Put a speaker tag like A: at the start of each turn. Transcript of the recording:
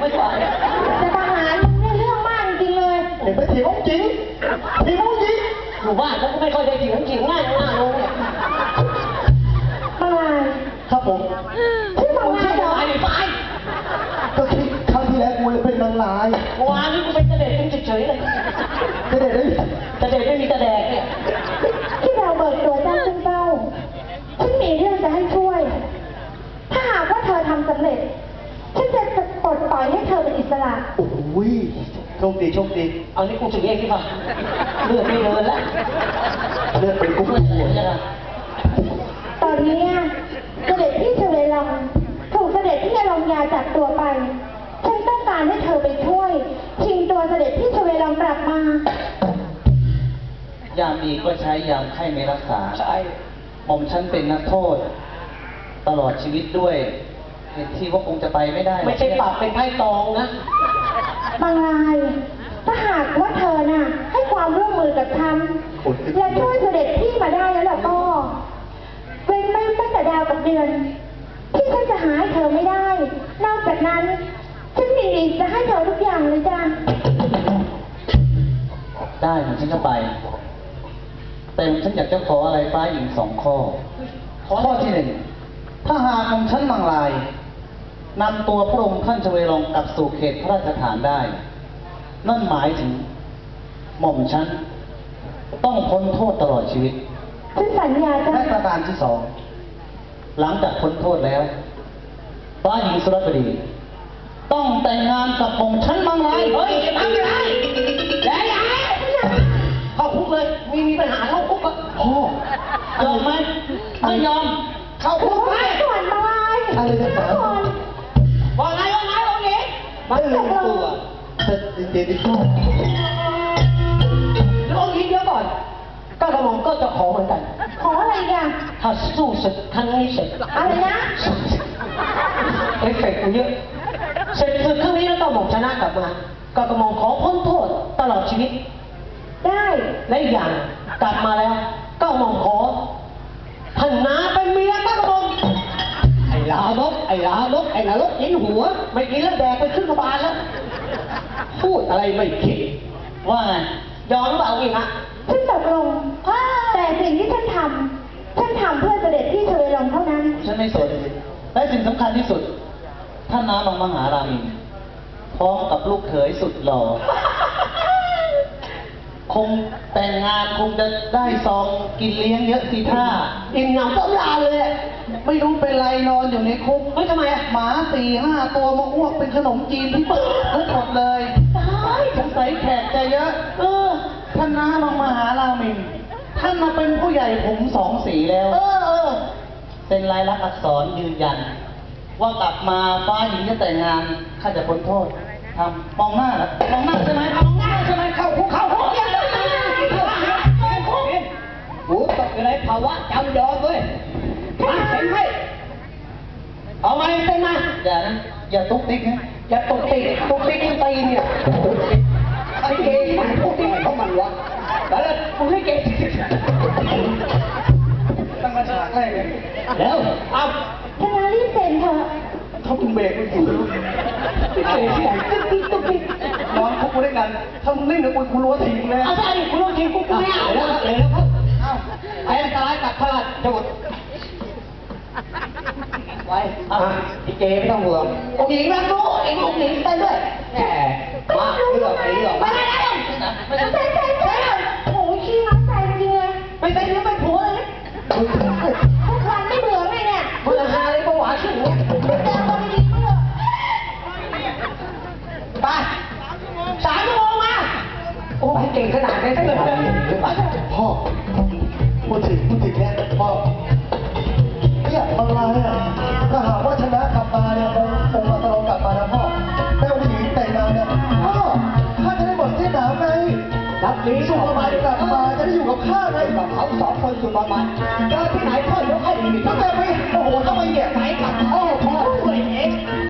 A: ไม่ไหว
B: จะทหารมึงเนี่ยเรื่องมากจริงเลย
C: เห็นไหมถีบองจริงถีบองจริง
A: อยู่บ้านเขาก็ไม่ค่อยได้ถีบจริงง่ายลงเนี่ย
B: มาลาย
C: ครับผม
B: ชื่อมาลายเหรอ
A: ไป
C: ก็คิดครั้งที่แล้วกูเลยเป็นนางร้ายว
A: านนี้กูเป็นเสด็จเป็นเฉยๆเลย
C: เสด็จได้
A: เสด็จไม่มีกระแดกเนี่ย
B: ที่เราเบิกตัวเจ้าซึ่งเจ้าฉันมีเรื่องจะให้ช่วยถ้าหากว่าเธอทำสำเร็จฉันจะปลดปล่อยให้เธอเป็นอิสระ
C: โอ้ยโชคดีโชคดี
A: เอานี่กูจะเรียกที่ป่ะเลือดไม่เดินแล้ว
C: เลือดเป็นกุ้งหัว
B: ตอนนี้เสด็จพี่เฉลยลองถูกเสด็จพี่อลงยาจับตัวไปฉันต้องการให้เธอไปช่วยชิงตัวเสด็จพี่เฉลยลองกลับม
D: ายามดีก็ใช้ยามไข้ไม่รักษา
A: ใช่
D: หม่อมฉันเป็นนักโทษตลอดชีวิตด้วยเหตุที่ว่าคงจะไปไม่ได้
A: ไม่ใช่ปรับเป็นไพ่ตองนะ
B: บางรายถ้าหากว่าเธอน่ะให้ความร่วมมือกับฉันและช่วยเสด็จพี่มาได้แล้วล่ะก็เว้นไม่ตั้งแต่ดาวกับเดือนที่ฉันจะหาให้เธอไม่ได้นอกจากนั้นฉันมีจะให้เธอทุกอย่างเลยจ้ะ
D: ได้หม่อมฉันจะไปแต่ฉันอยากจะขออะไรฟ้าหญิง2 ข้อข้อที่ 1ถ้าหากหม่อมฉันมังลายนำตัวพระองค์ท่านชเวลองกลับสู่เขตพระราชฐานได้นั่นหมายถึงหม่อมฉันต้องพ้นโทษตลอดชีวิต
B: ฉันสัญญาจ้ะ
D: และประการที่2หลังจากพ้นโทษแล้วฟ้าหญิงสุรบดีต้องแต่งงานกับหม่อมฉันมังลาย
A: เฮ้ยทำไม่ได้แล้วเข้าคุกเลยมีปัญหาเข้าคุกอ่ะ
C: พ่อย
D: อมไหมไม่ยอม
A: เข้าคุกไหม
B: ก่อนมาเลย
C: อะไรนะครั
A: ว่าไงองค์หญิง
C: ไม่รู้ตัวแต่เดี๋ยวดิพ่อ
A: แล้วองค์หญิงเดี๋ยวก่อนก็กระหม่อมก็จะขอเหมือนกัน
B: ขออะไรกัน
A: ถ้าสู้ศึกครั้งนี้เสร็จ
B: อะไรนะ
A: เอฟเฟกต์เยอะเสร็จศึกครั้งนี้แล้วก็หม่อมชนะกลับมาก็กระหม่อมขอพ้นโทษตลอดชีวิต
B: ได้
A: และอีกอย่างกลับมาแล้วก็หม่อมขอท่านนาเป็นเมียก็กระหม่อมไอ้ลามกกินหัวไม่กินแล้วแดกไปขึ้นกระบาลแล้วพูดอะไรไม่คิด
D: ว่าไง
A: ยอมเปล่าอีกอะ
B: ฉันตกลงแต่สิ่งที่ฉันทำเพื่อเสด็จพี่เฉลยลงเท่านั้น
D: ฉันไม่สนและสิ่งสำคัญที่สุดท่านน้ามังมหารามินพร้อมกับลูกเขยสุดหล่อคงแต่งงานคงจะได้ซองกินเลี้ยงเยอะสิท่า
A: อิ่มหนำต้มลาเลย
D: ไม่รู้เป็นไรนอนอยู่ในคุก
A: ไม่ทำไมอะ
D: หมา4-5 ตัวมาอ้วกเป็นขนมจีนที่เปิดทุกหมดเลย
A: ตาย
D: สงสัยแขกจะเยอะท่านน้ามังมหารามินท่านมาเป็นผู้ใหญ่ผม2 สีแล้วเป็นลายลักษณ์อักษรยืนยันว่ากลับมาฟ้าหญิงจะแต่งงานข้าจะพ้นโทษทำมองหน้าแล้วมองหน้าใช่ไหมมองหน้าใช่ไหมเข้าคุก
A: หูตกอยู่ในภาวะจำยอมด้วยมาเห็นไหมเอาไงเต้นมา
D: อย่าตุ๊กติ๊กนะ
A: อย่าตุ๊กติ๊กตีเนี่ยไอ้เกย์มันตุ๊กติ๊กเขามันวะแล้วมึงให้เกย์
D: ตั้งมาฉากแรกเลย
A: แล้วเอา
B: ธนารีบเซ็นเถอะ
D: เขาคุณเบรกไม่ถูก
A: ไอ้เกย์ที่ไหนตุ๊กติ๊ก
D: นอนคุกด้วยกันถ้ามึงเล่นเดี๋ยวกูรู้ว่าทีมเลย
A: เอาใช่กูรู้ทีมกูไม่เอาแล้วครับไอ้อันตรายกับพระราชบุตรไว้ไอ้เจไม่ต้องห่วงองค์หญิงรักลูกไอ้องค์หญิงไปด้วยแหมมาเรื่อง
B: ไม่ได้ไม่โอ้ยขี้น้ำใจจริงเลย
A: ไม่ใช่เนื้อไม่ผัวเลย
B: ทุกวันไม่เบื่อไงเนี่ย
A: เบื่อหาเลยก็หวานขึ้นเนี่ยไป3 ชั่วโมงมาโอ้ยเก่งขนาดนี้
C: พ่อพูดถึงเนี่ยพ่อเนี่ยบางรายอ่ะถ้าหากว่าชนะกลับมาเนี่ยองค์มาตลอดกลับมานะพ่อแม่องค์หญิงแต่งงานเนี่ยพ่อข้าจะได้หมดเส้นหนาวไง
A: รับนี้
C: สุภาพกลับมาจะได้อยู่กับข้าไง
A: กับเขา2 คนสุภาพการที่ไหนพ่อยกให้ดี
C: ตั้งแต่ไปโอ้โหทำไมเนี่ย
A: ไป